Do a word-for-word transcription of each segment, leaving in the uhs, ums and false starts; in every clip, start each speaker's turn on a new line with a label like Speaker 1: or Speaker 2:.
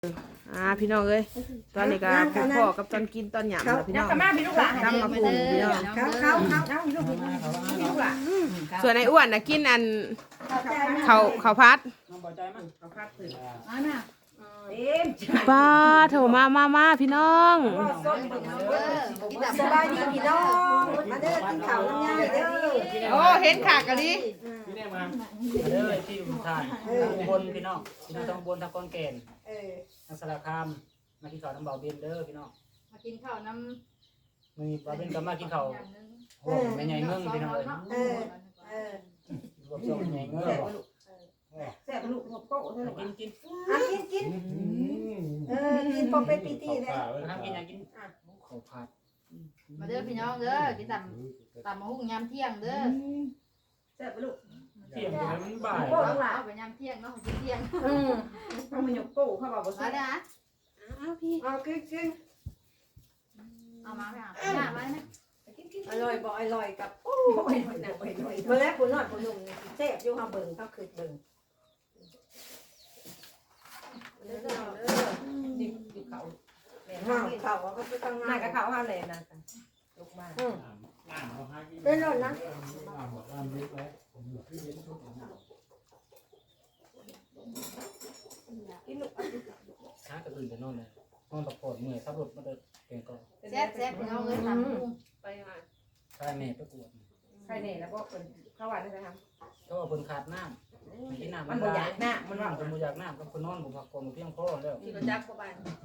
Speaker 1: อ่าพี่น้องเอ้ยตอนนี้ก็พ่อกับตอนกินตอนหยำนะพี่น้อง
Speaker 2: มาพี่ลูกหลาน
Speaker 1: ตำมาปรุงพี่น้อง
Speaker 2: เขาเขาเขาเขาพี่ลูกพี่ลูกหลาน
Speaker 1: ส่วนไอ้อ้วนน่ะกินอันเขาเขาพัด
Speaker 3: น้องบ่ใจมั้ง
Speaker 2: เขาพักตื่น
Speaker 3: อ่าน่ะ
Speaker 2: เอ็ม
Speaker 1: ป้าโถมามามาพี่น้อง
Speaker 2: สบายดีพี่น้องมาเด้อกินข้าวน้ำยาเด้อ
Speaker 1: โอ้เห็นขากะลิ
Speaker 3: พี่แน่มาเด้อที่อุทานอุบลพี่น้องพี่น้องทางอุบลทางกอนแก่น
Speaker 2: เออ
Speaker 3: ทางสารคามมากินข้าวน้ำเบาเบียนเด้อพี่น้อง
Speaker 4: มากินข้าวน้ำ
Speaker 3: มื้อนี้เบาเบียนก็มากินข้าวโอ้แม่ใหญ่เมืองพี่น้องเอ้ย
Speaker 2: เออเออ
Speaker 3: รวมส่งใหญ่เมืองบ่
Speaker 2: แซ่บลูกหัวโป๊ะเท่านั้น
Speaker 3: กินกิน
Speaker 2: อ่ะกินกินเออกินพอเป็นปีตีเลย
Speaker 3: ทำกินอยากกินข้าวผัด
Speaker 4: มาเด้อพี่น้องเด้อกินตำตำมะฮุ่งยามเที่ยงเด้อ
Speaker 2: แซ่บลูก
Speaker 3: เที่ยงมันบ่าย
Speaker 4: เอาไปยามเที่ยงเนาะกินเที่ยง
Speaker 2: อืมเอามาหยกโป๊ะเข้ามาบ่
Speaker 4: มา
Speaker 2: ใส่
Speaker 4: เด้อ
Speaker 1: อ้าวพี่
Speaker 2: เอากินกิน
Speaker 4: เอามาค่ะมามาเนี่ย
Speaker 2: อร่อยบ่อร่อยกับโอ้ยหน่อยหนักหน่อยหน่อยเมื่อแรกผู้น้อยผู้หนุ่มแซ่บอยู่ห้าเบิ่งเขาคือเบิ่งเด้อเด้อดิบดิบเขาห้าวเขาก็ไปตั้งงานกับเขาห้าเลยนะลูกมาเป็นรถนะ กินลูก
Speaker 3: ช้ากระตื่นแต่นอนเลยนอนพักผ่อนเมื่อยขับรถมาเดินเก่งก่อน
Speaker 4: แซ่บแซ่บพี่น้องเอ้ยตำมะฮุ่ง
Speaker 2: ไปมา
Speaker 3: ใช่แม่ไปกวด
Speaker 2: ใครเนี่ยแล้วก็เป็นข้าวหวานได้ไหมครับ
Speaker 3: ก็ว่าเพิ่นขาดน้ำกินน้ำ
Speaker 2: มันบ่อยากหน้ามันว่า
Speaker 3: คนบ่อยากน้ำกับคนนอนบ่พักผ่อนบ่เพียงพอแล้ว
Speaker 2: ที่เราจับเข้าไป
Speaker 3: แม่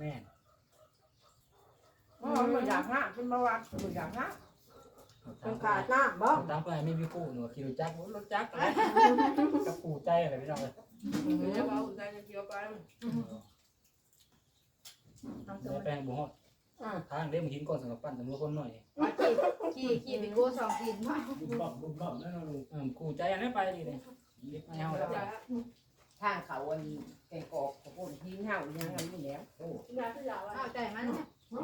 Speaker 2: อ๋อมันอยากหน้าเป็นเบาหวานมันอยากหน้าเป็นขาดหน้าบ่
Speaker 3: ตามไปไม่มีกู้หนูขี่รถจักรรถจักรกับปู่ใจอะไรพี่น้องเลย
Speaker 2: เดี๋ยวเอาใจจะเกี่ยวไป
Speaker 3: แล้วแปลงบ่ฮอดทางเด้มันหินก่อนสำหรับปั้นสำหรับคนหน่อย
Speaker 4: ขี่ขี่ไปกู้สองกินมา
Speaker 3: เออกู้ใจอันนี้ไปดีเลยไม่เอาแล้ว
Speaker 2: ทางเขาอันแกงกอกของคนที่เห่ายังทำอยู่แล้วโอ้
Speaker 4: เอาใจมันเนี่ย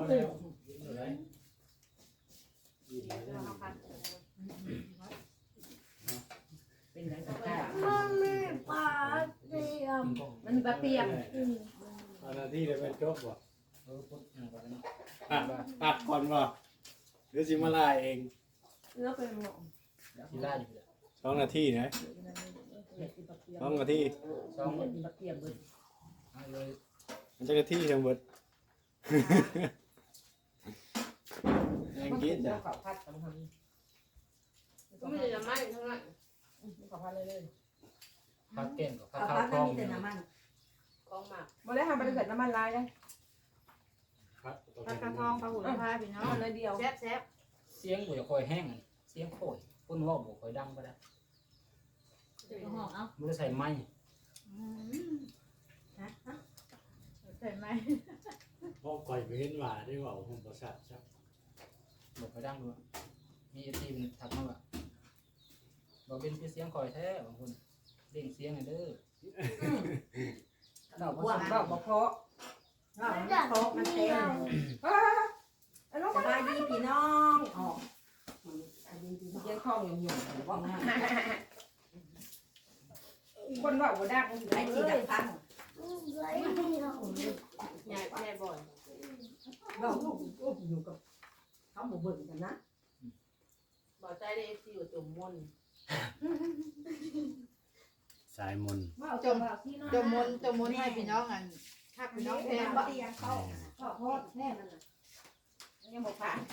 Speaker 2: เป็นไรสักอย่าง
Speaker 4: ปลาเตียม
Speaker 2: มันปลาเปียก
Speaker 5: อันนั้นที่ได้เป็นจบบ่
Speaker 3: เออปุ๊บอย่างแบบนี้
Speaker 5: ตัดตัดก่อนบ่เดี๋ยวสิมาลายเอง
Speaker 2: แล้วเป็นหมอ
Speaker 3: ที่ล่าอยู่เลย
Speaker 5: สองนาทีนะสองนาที
Speaker 3: สอง
Speaker 2: ปลาเปียกเบิด
Speaker 3: เลย
Speaker 5: มันจะนาทีจังเบิดยังกินจ้ะ
Speaker 2: ข้าวผัดทำทำก็ไม่ได้น้ำมันเท่านั้นข้าวผัดเลยเลย
Speaker 3: พักเก่งกับพักข้าวคล่องอยู่
Speaker 2: กองหมากบ่ได้ทำบริษัทน้ำมันลายเลย
Speaker 4: ปลากระทองปลาหุ่นปลาพี่น้อง
Speaker 2: มันเลยเดียว
Speaker 4: แซ่บแซ่บ
Speaker 3: เสียงบ่จะคอยแห้งเสียงโผล่คนว่าบ่คอยดังก็ได้
Speaker 4: หอมเอา
Speaker 3: มันจะใส่ไม้
Speaker 4: ใส่ไหม
Speaker 5: พอก่อยไปเห็นว่าได้ว่าผมประสาทครับ
Speaker 3: บ่คอยดังด้วยมีไอทีมทักมาว่าบ่เป็นเสียงคอยแท้บางคนเด้งเสียงเด้อ
Speaker 2: ดอกบัวดอกบัวเพาะดอกบัวเพาะมันเต็มสบายดีพี่น้องอ๋อยังคล้องยังอยู่ว่าคนว่าบัวดักไอ้ที่ดักพังใหญ่แม่บ่อยเราลูกอยู่กับเขาหมู่เบิ่งกันนะบ่ใจได้เอฟซีอยู่จุ่มมน
Speaker 5: สายมน
Speaker 4: จมจมมนจมมนให้พี่น้องอันทักพี่น้องแทนบ่
Speaker 2: เขาเขาโทษแน่มันน่ะยังบอกผ่าน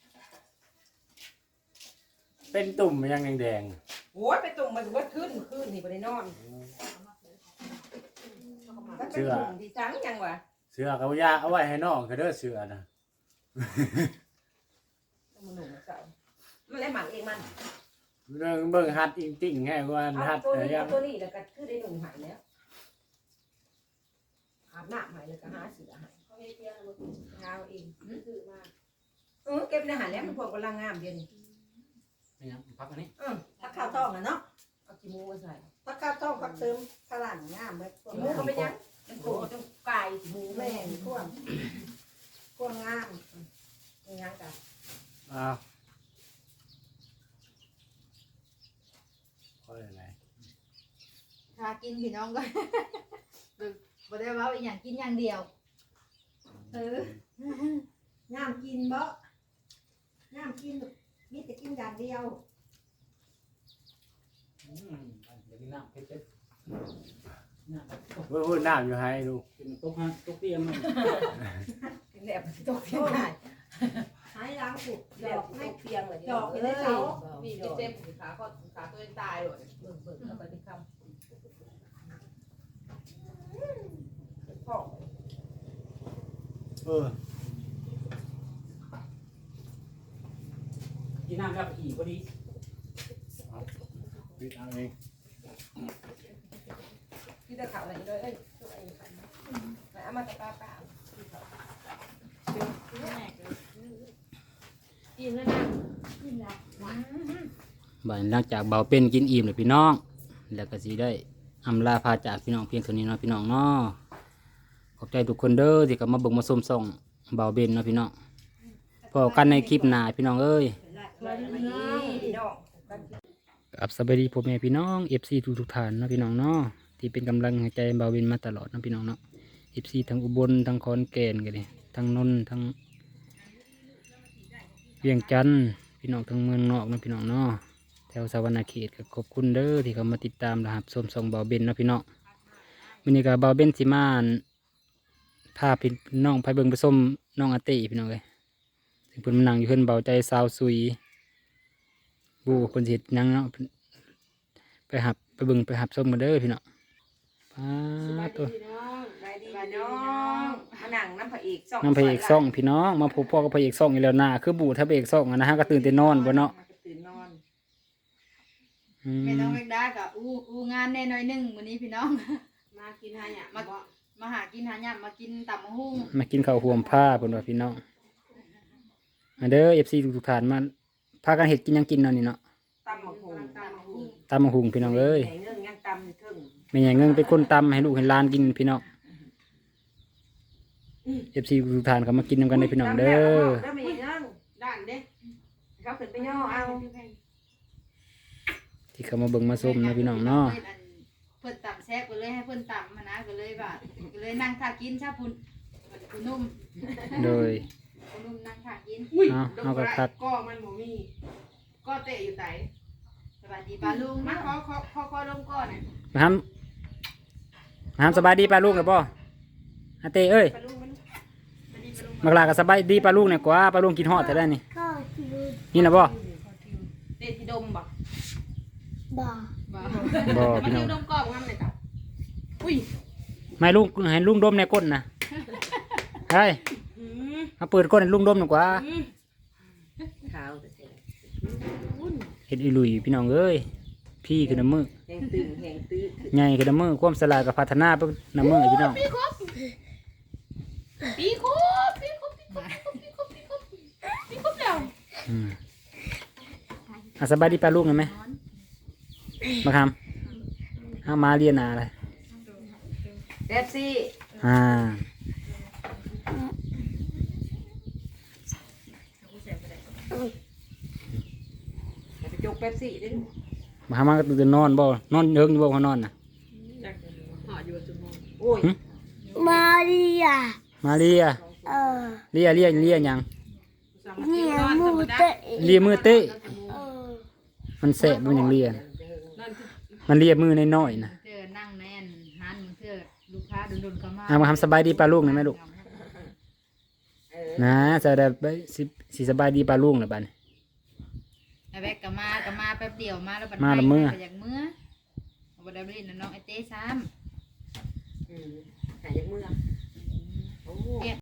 Speaker 5: เป็นตุ่มยังแดง
Speaker 2: โอ้ยไปตุ่มมันว่าขึ้นขึ้นนี่ไปได้นอนมันเป็นตุ่มที่จังยังวะ
Speaker 5: ๆเสือเขายาเอาไว้ให้น้องเขาเด้อเสือนะ
Speaker 2: มันหนุ่มเก่ามันเลยหมักเองมัน
Speaker 5: เรื่องเบิ่งฮัดอิงติ่งให้ว่า
Speaker 2: เอา
Speaker 5: ฮัด
Speaker 2: ตัว
Speaker 5: แต่
Speaker 2: นี้
Speaker 5: ยั
Speaker 2: เอา
Speaker 5: ง
Speaker 2: ตัวนี้แล้วก็คือได้หนุ่มหายแล้วอาบน้ำหายแล้วก็หาเสือหายเขาให้เที่ยงเราเท้าเองซื้อมาเออเก็บในหายแล้วมันพวกกำลังงามเดียวนี่
Speaker 3: นี่นะพักอันนี้
Speaker 2: อืมถ้าข้าวต้มอ่ะเนาะเอาขี้มูมาใส่ถ้าข้าวต้มผักเติมพลังงามเลยขี้มูก็ไม่ยั้งมันโผล่จนไก่ขี้มูแม่งพวกพวกงามยังยังกัน
Speaker 5: อ้าวค่อยอะไร
Speaker 4: ทากินพี่น้องก็บ่ได้ว่าอีหยังกินอย่างเดียว
Speaker 2: เออย่ามกินบ่ย่ามกินมีแต่กินอย่างเดียว
Speaker 3: อืมอันเดี๋ยวกินน้ำเผ็ดๆน้ำ
Speaker 5: เฮ้ยเฮ้ยน้ำอยู่ให้ลูก
Speaker 3: กินตกฮะตกเตียงมัน
Speaker 2: แหลบตกเพียงได้หายล้างปุกดอกให้เพียงเลยดอกอยู่ในเขา
Speaker 1: มีเจ็บขาก็ขาตัวเองตายเลย
Speaker 2: เบิ่งเบิ่งแล้วก็ที่คำ
Speaker 1: พ่อ
Speaker 5: เออ
Speaker 3: กินน้ำแล้วอีกพอดี
Speaker 5: ปิดเอาเอง
Speaker 1: ที่จะข่าวอะไรเลยเอ้ยเอามาตะปาปากินแล้วนะ
Speaker 3: บ่ายหลังจากเบาเป็นกินอิ่มเลยพี่น้อง แล้วก็สิได้อำลาพาจากพี่น้องเพียงเท่านี้เนาะพี่น้องเนาะขอบใจทุกคนเด้อที่กลับมาเบิ่งมาชมส่องเบาเบนเนาะพี่น้องพอกันในคลิปหน้าพี่น้องเอ้ย กับสวัสดีพ่อแม่พี่น้อง เอฟ ซี ทุกทุกๆท่านเนาะพี่น้องเนาะที่เป็นกำลังใจเบาเบนมาตลอดเนาะพี่น้องเนาะ เอฟ ซี ทั้งอุบลทั้งขอนแก่นกันเลยทั้งนนท์ทั้งเวียงจันทน์พี่น้องทั้งเมืองนอกเนาะพี่น้องเนาะแถวสวรรณเขตก็ขอบคุณเด้อที่เขามาติดตามนะครับชมส่องเบาเบนเนาะพี่น้องวันนี้ก็เบาเบนสิมาพาพี่น้องไปเบิ่งไปส้มน้องอาเต้พี่น้องเลยถึงเพิ่นมานั่งอยู่เพิ่นเบาใจสาวซุยบูเพิ่นสิเฮ็ดหยังเนาะไปหับไปเบิ่งไปหับส้มมาเด้อพี่น้องป้าตัว
Speaker 1: ไปดีน้องมานั่งน้ำพระเอกซ่อง
Speaker 3: น้ำพระเอกซ่องพี่น้องมาพบพ่อกับพระเอกซ่องอีกแล้วนะคือบูถ้าพระเอกซ่องอะนะฮะก็ตื่นแต่นอนบ่เนาะ
Speaker 1: ตื่นนอน
Speaker 3: อื
Speaker 4: แม่
Speaker 3: ม
Speaker 4: น้องแมกดาก็อู้อู้งานแน่น้อยหนึงมื้อนี้พี่น้อง
Speaker 1: มากินหาหยา
Speaker 4: มามาหากินหาหยังมากินตำมะฮุ่ง
Speaker 3: มากินข้าวห่วมผ้าเพิ่นว่าพี่น้องมาเด้อ เอฟ ซี ทุกๆท่านมาพากันเฮ็ดกินหยังกินเนาะนี่เนาะ
Speaker 1: ตำมะฮุงตำมะฮุง
Speaker 3: ตำบักหุ่งพี่น้องเอ้ย
Speaker 1: ไหนเรื่องยังตำอยู่เทึ่ง
Speaker 3: แม่ใหญ่เงิงเป็นคนตำให้ลูกให้หลานกินพี่น้อง เอฟ ซี ทุกๆท่านเขามากินนำกันได้อพี่น้องเด้อ
Speaker 1: เด้อมีเรื่องด้านเด้เขาขึ้นไปย่อเอา
Speaker 3: ที่เขามาเบิ่งมาชมนะพี่น้องเนาะ
Speaker 4: เพิ่นตำแซ่บก็เลยให้เพิ่นตำมานะก็เลยว่าก็เลยนั่งท่ากินซะพุ่นคุณนุ่ม
Speaker 3: โดย
Speaker 4: คุณนุ่มนั่งท่ากิน
Speaker 1: อุ้ย
Speaker 3: เอาเอากระทัด
Speaker 1: ก็มันหมูมีก็เตะอยู่ไหน
Speaker 4: สวัสดีป้าลุง
Speaker 1: มา
Speaker 4: นะ
Speaker 1: ขอขอขอขอลงก่อนนะ
Speaker 3: มาทำมาทำสบายดีป้าลูกนะป่ออาเต้เอ้ย
Speaker 1: ปลาลูกมันปลาดีปลาลูก
Speaker 3: มักลาก็สบายดีป้าลูกเนี่ยกว่าป้าลูกกินฮอดแต่ได้นี่นี่นะป่อ
Speaker 1: เตะที่ดมบ่
Speaker 4: บ่
Speaker 3: บ่
Speaker 1: มัน
Speaker 3: พี่น้
Speaker 1: อ
Speaker 3: อง
Speaker 1: ยู่ดมกรอบงั้นเลยจ้ะอุ้ย
Speaker 3: ไม่ลุงให้ลุงดมในก้นนะเฮ้ย
Speaker 1: อืม
Speaker 3: มาเปิดก้นให้ลุงดมหน่อยกว่า
Speaker 1: อืมขาวแต่เสียวุ่น
Speaker 3: เห็ดอีหลุยพี่น้องเอ้ยพี่คือน้ำมือ
Speaker 1: แหงตึงแหงตื้อ
Speaker 3: ใหญ่คือน้ำมือความสลาดกับพัฒนาเป็นน้ำมือพี่น้อง
Speaker 1: ปีครบปีครบปีครบปีครบปีครบปีครบปีครบแล้ว
Speaker 3: อืมอ่ะสบายดีป้าลูกหน่อยไหมมาคำเอามาเรียนอะไร
Speaker 1: เดฟซี่
Speaker 3: อ่า
Speaker 1: ไปจกเป๊ปซี่ดิ
Speaker 3: มาหามาก็ตื่นนอนบ่นอนเฮิงอยู่บ่เขานอนน่ะ
Speaker 1: หออยู่จุดมองโอ้ย
Speaker 6: มาเรีย
Speaker 3: มาเรีย
Speaker 6: เออ
Speaker 3: เรียเรียเรียหยัง
Speaker 6: เนี่ยมูเตะ
Speaker 3: เรียมือเต้
Speaker 6: เออ
Speaker 3: มันแสบมันหยังเรียน่ะมันเรียมือน้อยๆน่ะ
Speaker 4: เจอนั่งแน่นหันเพื่อลูกค้าดุนๆเข้ามา
Speaker 3: เอามาทำสบายดีป้าลูกหน่อยไหมลูกนะจะได้ไปสิสิสบายดีป้าลูกหน่อยบ้าน
Speaker 4: ไอ้แบกก็มาก็มาแป๊บเดียวมาแล้วบัด
Speaker 3: มาละเมื่อ
Speaker 4: ไปจากเมื่อบ่ได้ไปเล่นน้องไอ้เต้ซ้